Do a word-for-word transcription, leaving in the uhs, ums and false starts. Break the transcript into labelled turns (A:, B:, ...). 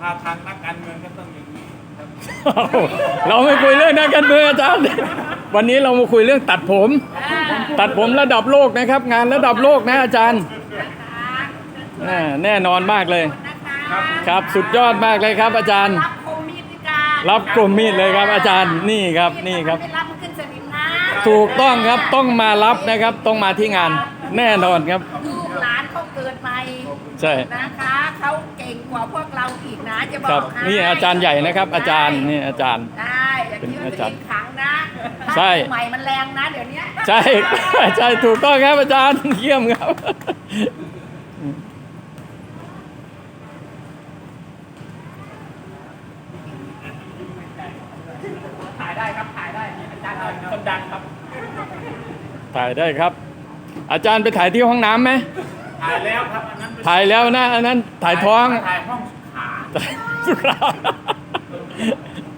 A: าทางนักการเมืองก็ต้องอย่างนี้ครับ
B: เราไม่คุยเรื่องนักการเมืองอาจารย์วันนี้เรามาคุยเรื่องตัดผม ตัดผมระดับโลกนะครับ งานระดับโลกนะอาจารย์อ่าแน่นอนมากเลย ครับสุดยอดมากเลยครับ อาจารย์
C: รับคมมีดการ
B: รับกลุ่มมีดเลยครับ อาจารย์นี่ครับนี่ครับ
C: ไม่รับขึ้นสนิมนะ
B: ถูกต้องครับต้องมารับนะครับ ต้องมาที่งานแน่นอนครับ
C: ลูกหลานเขาเกิดใหม่
B: ใช่
C: นะคะเขาเก่งกว่าพวกเราอีกนะจะบ
B: ค
C: อ
B: รับ
C: กให้
B: นี่อาจารย์ใหญ่นะครับ อาจารย์นี่อาจารย์
C: ได้อย่าคิดว่าตัวเองขังนะ
B: ใช่
C: ใหม่มันแรงนะเดี๋ยวนี้
B: ใช่ ใช่ถูกต้องครับอาจารย์เยี่ยมครับ
A: ถ่ายได้ครับถ่ายได้อาจารย์คนดังครับ
B: ถ่ายได้ครับ อาจารย์ไปถ่ายที่ห้องน้ำไหม
A: ถ่ายแล้วครับอันนั้นเป็น
B: ถ่ายแล้วนะอันนั้นถ่ายท้อง
A: ถ่ายห้องสุขา
B: สุรา